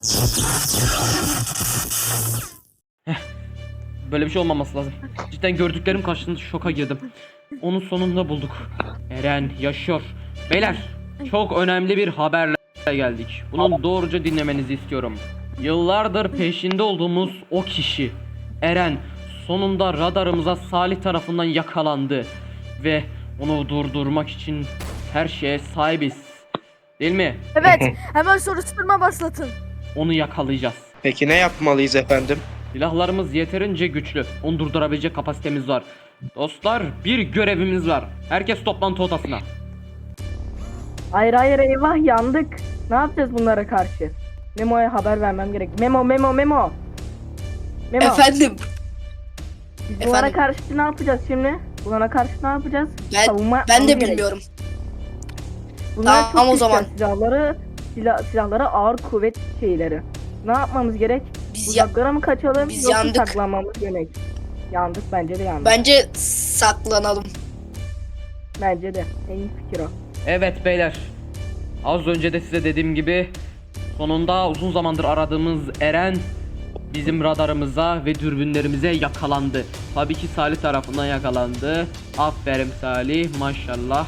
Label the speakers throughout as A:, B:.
A: Böyle bir şey olmaması lazım. Cidden gördüklerim karşısında şoka girdim. Onu sonunda bulduk. Eren yaşıyor. Beyler, çok önemli bir haberle geldik. Bunu doğruca dinlemenizi istiyorum. Yıllardır peşinde olduğumuz o kişi Eren sonunda radarımıza Salih tarafından yakalandı ve onu durdurmak için her şeye sahibiz. Değil mi?
B: Evet, hemen soruşturma başlatın.
A: Onu yakalayacağız.
C: Peki ne yapmalıyız efendim?
A: Silahlarımız yeterince güçlü. Onu durdurabilecek kapasitemiz var. Dostlar, bir görevimiz var. Herkes toplantı odasına.
D: Hayır hayır, eyvah, yandık. Ne yapacağız bunlara karşı? Memo'ya haber vermem gerek. Memo. Memo.
E: Efendim,
D: Biz bunlara
E: efendim.
D: karşı ne yapacağız şimdi? Bunlara karşı ne yapacağız? Savunma
E: Ben de
D: yapmamız gerek.
E: bilmiyorum.
D: Bunlar
E: Tamam,
D: çok
E: o zaman.
D: güçlü silahları ağır kuvvet şeyleri. Ne yapmamız gerek?
E: Biz ya
D: Uzaklara mı kaçalım
E: biz
D: yoksa
E: yandık.
D: saklanmamız gerek? Yandık, bence de yandık.
E: Bence saklanalım.
D: Bence de. En iyi fikir o.
A: Evet beyler. Az önce de size dediğim gibi sonunda uzun zamandır aradığımız Eren bizim radarımıza ve dürbünlerimize yakalandı. Tabii ki Salih tarafından yakalandı. Aferin Salih, maşallah.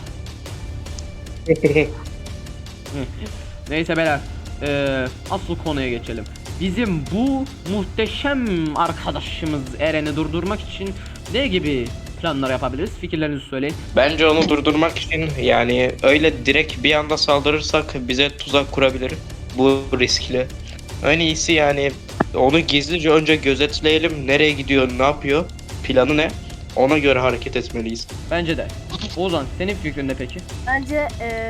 A: Neyse beyler, asıl konuya geçelim. Bizim bu muhteşem arkadaşımız Eren'i durdurmak için ne gibi planlar yapabiliriz? Fikirlerinizi söyleyin.
C: Bence onu durdurmak için yani öyle direkt bir anda saldırırsak bize tuzak kurabilir. Bu riskli. En iyisi yani onu gizlice önce gözetleyelim. Nereye gidiyor, ne yapıyor, planı ne? Ona göre hareket etmeliyiz.
A: Bence de. Ozan, senin fikrin ne peki?
B: Bence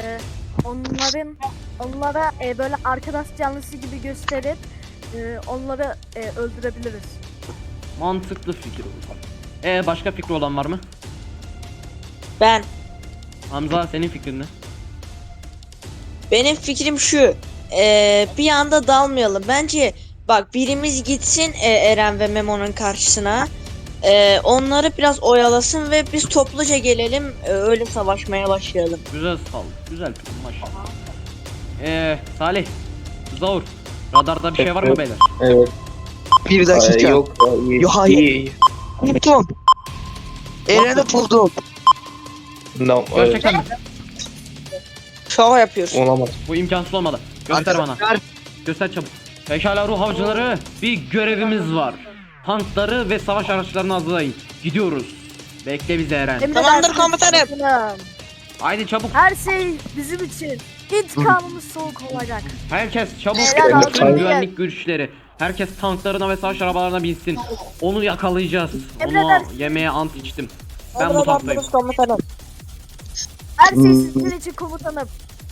B: onlara böyle arkadaş canlısı gibi gösterip onları öldürebiliriz.
A: Mantıklı fikir Ozan. Başka fikri olan var mı?
F: Ben.
A: Hamza, senin fikrin ne?
F: Benim fikrim şu. Bir anda dalmayalım. Bence bak birimiz gitsin Eren ve Memo'nun karşısına. Onları biraz oyalasın ve biz topluca gelelim. Öyle savaşmaya başlayalım.
A: Güzel sal. Güzel fikir maşallah. Salih, Zaur, radarda bir şey var mı beyler?
C: Evet.
G: Bir dakika.
C: Yok. iyi.
G: Yo, hayır.
C: İyi.
G: Buldum. Eren'i buldum.
C: No,
A: Gerçekten mi?
F: Şova yapıyorsun.
C: olamaz.
A: Bu imkansız olmalı. Göster bana.
G: Arkadaşlar,
A: Göster çabuk. Pekala ruh avcıları, bir görevimiz var. Tankları ve savaş araçlarını hazırlayın. Gidiyoruz. Bekle bizi Eren.
F: Tamamdır komutanım.
B: Komutanım.
A: Haydi çabuk.
B: Her şey bizim için. İntikamımız soğuk olacak.
A: Herkes çabuk.
B: Beyler,
A: Bütün
B: hazır
A: güvenlik güçleri. Herkes tanklarına ve savaş arabalarına binsin. Onu yakalayacağız. Onu
B: Emredersiniz.
A: yemeğe ant içtim. Ben bu tanktayım.
F: Komutanım.
B: Her şey sizin için komutanım.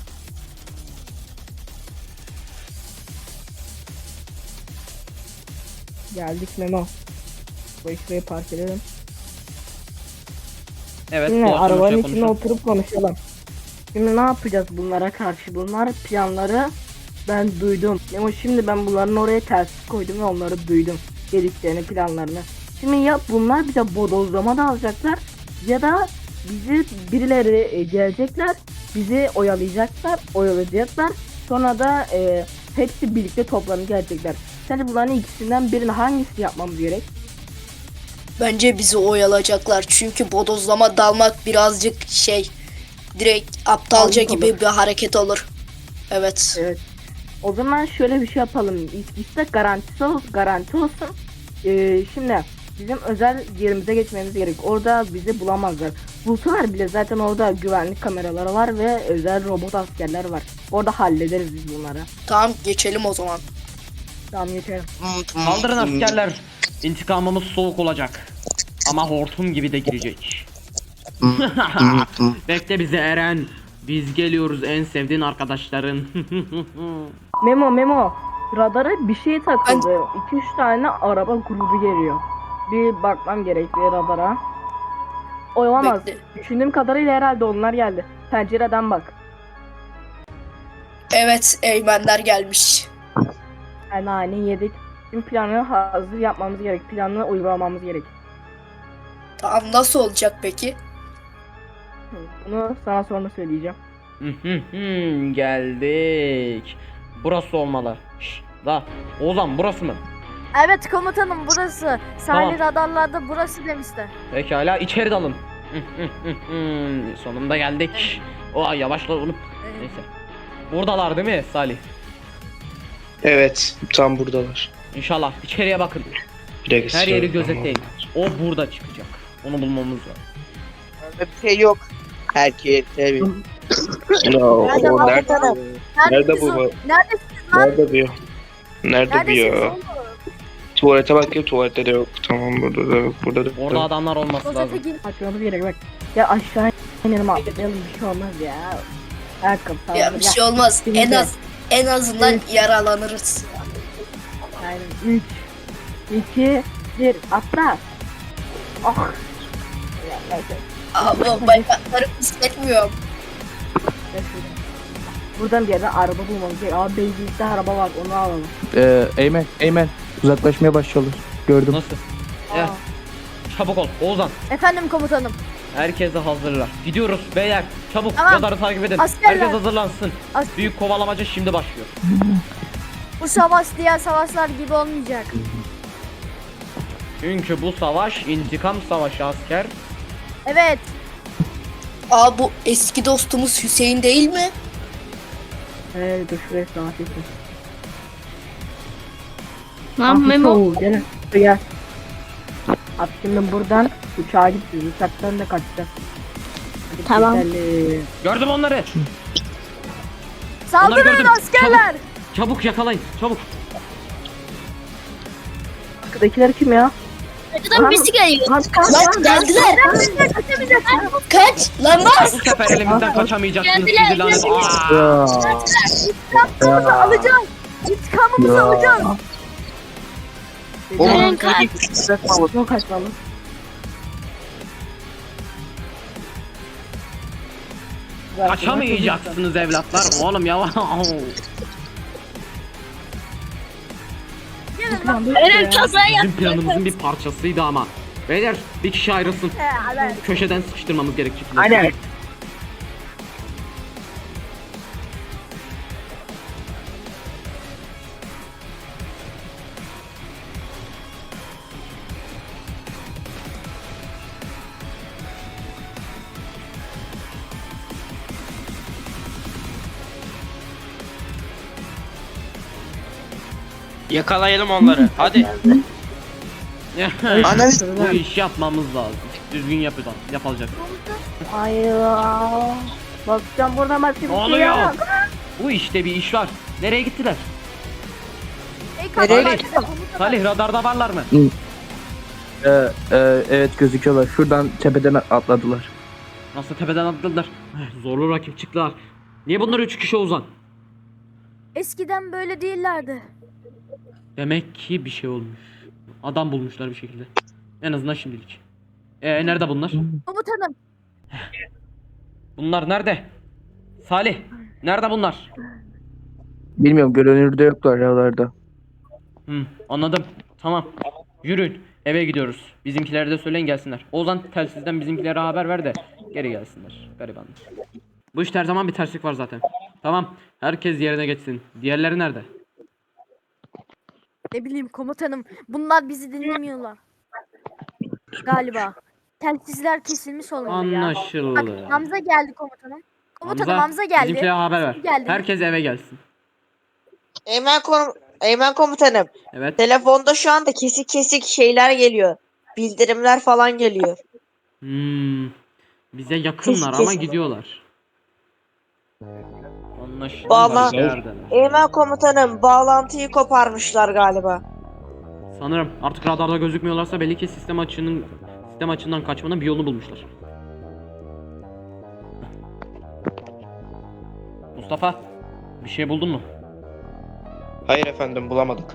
D: Geldik Memo. Bu işleri park edelim.
A: Evet,
D: Şimdi
A: bu
D: arabanın
A: şey
D: içine
A: konuşalım.
D: oturup konuşalım. Şimdi ne yapacağız bunlara karşı? Bunlar planları ben duydum. Ama şimdi ben bunların oraya ters koydum ve onları duydum. Dediklerini, planlarını. Şimdi ya bunlar bize bodozlama da alacaklar ya da bizi birileri gelecekler, bizi oyalayacaklar. Sonra da hepsi birlikte toplanıp gelecekler. Sence bunların ikisinden birini hangisi yapmamız gerek?
E: Bence bizi oyalayacaklar. Çünkü bodozlama dalmak birazcık direkt aptalca
D: Yanlış
E: gibi
D: olur.
E: bir hareket olur. Evet.
D: Evet. O zaman şöyle bir şey yapalım. İşte garanti olsun. Şimdi bizim özel yerimize geçmemiz gerek. Orada bizi bulamazlar. Bulsalar bile zaten orada güvenlik kameraları var ve özel robot askerler var. Orada hallederiz biz bunları.
E: Tamam, geçelim o zaman.
D: Tamam, geçelim.
A: Kaldırın askerler. İntikamımız soğuk olacak. Ama hortum gibi de girecek. Bekle bizi Eren. Biz geliyoruz en sevdiğin arkadaşların.
D: Memo. Radara bir şey takıldı. 2-3 tane araba grubu geliyor. Bir bakmam gerekli radara. Olamaz.
E: Bekle.
D: Düşündüğüm kadarıyla herhalde onlar geldi. Pencereden bak.
E: Evet, Eymenler gelmiş.
D: Yani yedik. Şimdi planı hazır yapmamız gerek. Planı uygulamamız gerek.
E: Tamam, nasıl olacak peki?
D: Bunu sana sonra söyleyeceğim.
A: Geldik. Burası olmalı. Şşt, Da. Ozan burası mı?
B: Evet komutanım burası. Sahil radarlarda burası demişler.
A: Pekala içeri dalın. Sonunda geldik. Oha yavaşla oğlum. Neyse. Buradalar değil mi Salih?
C: Evet, tam buradalar.
A: İnşallah içeriye bakın.
C: Direkt
A: Her yeri
C: sıra-
A: gözetleyin. O burada çıkacak. Onu bulmamız lazım.
G: Öyle bir şey yok. Herkes tabii.
C: Ya, o
B: Nerede
C: nerede? Nerede bu?
B: Neredesiniz lan?
C: Nerede bu? Nerede bu
B: Neredesiniz
C: ya?
B: oğlum?
C: Tuvalete bakayım, tuvalette de yok. Tamam, burada da yok, burada da yok.
A: Orada adamlar olması
B: Rozete
A: lazım.
B: gir.
D: Açmamız gerek bak. Ya aşağı inelim atlayalım bir şey olmaz ya. Ayakkabı falan.
E: Ya bir şey olmaz. En azından
D: Evet.
E: yaralanırız.
D: Aynen. 3, 2, 1 atla. Ah. Ya, neyse.
E: Abi bacaklarım hissetmiyorum.
D: Gel şuradan. Buradan bir yerden araba bulmamız gerekiyor. Abi Beylik'te araba var onu alalım.
G: Eymen uzaklaşmaya başlıyorlar. Gördüm.
A: Nasıl?
D: Aa.
A: Ya. Çabuk ol Oğuzhan.
B: Efendim komutanım.
A: Herkese hazırlar. Gidiyoruz beyler. Çabuk
B: Tamam.
A: radarı takip edin.
B: Askerler.
A: Herkes hazırlansın.
B: As-
A: Büyük kovalamaca şimdi başlıyor.
B: Bu savaş diğer savaşlar gibi olmayacak.
A: Çünkü bu savaş intikam savaşı asker.
B: Evet.
E: Aa bu eski dostumuz Hüseyin değil mi?
D: Dur şuraya rahat etsin.
H: Lan Memo.
D: Gel. Gel. Abi şimdi buradan uçağa gidiyoruz. Uçaktan da kaçacağız. Hadi
H: Tamam.
D: gidelim.
A: Gördüm onları.
B: Saldırın
A: gördüm.
B: askerler.
A: Çabuk yakalayın. Çabuk.
D: Arkadakiler kim ya?
H: Arkadan birisi geliyor.
D: Kaç kaç
E: Lan geldiler. Kaç. Lan bas.
A: Bu sefer elimizden kaçamayacaksınız
H: Geldiler,
A: sizi lanet.
H: geldiler.
A: Aa!
B: İntikamımızı alacağız. İntikamımızı alacağız.
H: Eren kaç.
D: Çok kaçmalı.
A: Kaçamayacaksınız evlatlar. Oğlum yavaş.
B: Gelin lan.
H: Eren kaza yaptı.
A: Bizim planımızın bir parçasıydı ama. Beyler bir kişi ayrılsın.
B: Evet.
A: Köşeden sıkıştırmamız gerekecek.
G: Aynen.
C: Yakalayalım onları. Hadi.
A: Bu iş yapmamız lazım. Düzgün yapılacak.
D: Ay ya. Bakacağım buradan başka bir
A: Ne
D: şey
A: oluyor?
D: yok.
A: Bu işte bir iş var. Nereye gittiler?
B: Ey
A: Salih,
B: kaptan.
A: Salih radarda varlar mı?
G: Evet gözüküyorlar. Şuradan tepeden atladılar.
A: Nasıl tepeden atladılar? Zorlu rakip çıktılar. Niye bunlar 3 kişi Ozan?
B: Eskiden böyle değillerdi.
A: Demek ki bir şey olmuş. Adam bulmuşlar bir şekilde. En azından şimdilik. Nerede bunlar?
B: Komutanım.
A: Bunlar nerede? Salih, nerede bunlar?
G: Bilmiyorum görünürde yoklar oralarda.
A: Anladım. Tamam. Yürüyün. Eve gidiyoruz. Bizimkilere de söyleyin gelsinler. Ozan telsizden bizimkilere haber ver de geri gelsinler. Garibanlar. Bu işte her zaman bir terslik var zaten. Tamam. Herkes yerine geçsin. Diğerleri nerede?
B: Ne bileyim komutanım. Bunlar bizi dinlemiyorlar. Galiba. Telsizler kesilmiş olmalı ya. Bak
A: Anlaşıldı.
B: Hamza geldi komutanım. Komutanım Hamza geldi.
A: Bizimkilere haber ver.
B: Geldi.
A: Herkes eve gelsin.
F: Eymen komutanım.
A: Evet.
F: Telefonda şu anda kesik kesik şeyler geliyor. Bildirimler falan geliyor.
A: Bize yakınlar ama gidiyorlar. Anlaşıldı.
F: Bağla-
A: Neredeler?
F: Eymen komutanım bağlantıyı koparmışlar galiba.
A: Sanırım artık radarda gözükmüyorlarsa belli ki sistem açığından kaçmanın bir yolunu bulmuşlar. Mustafa, bir şey buldun mu?
C: Hayır efendim, bulamadık.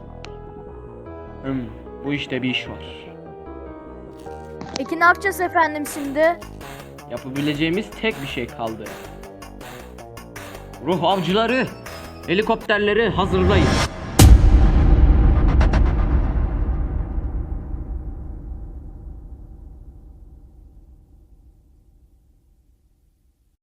A: Bu işte bir iş var.
B: Peki ne yapacağız efendim şimdi?
A: Yapabileceğimiz tek bir şey kaldı. Ruh avcıları, helikopterleri hazırlayın.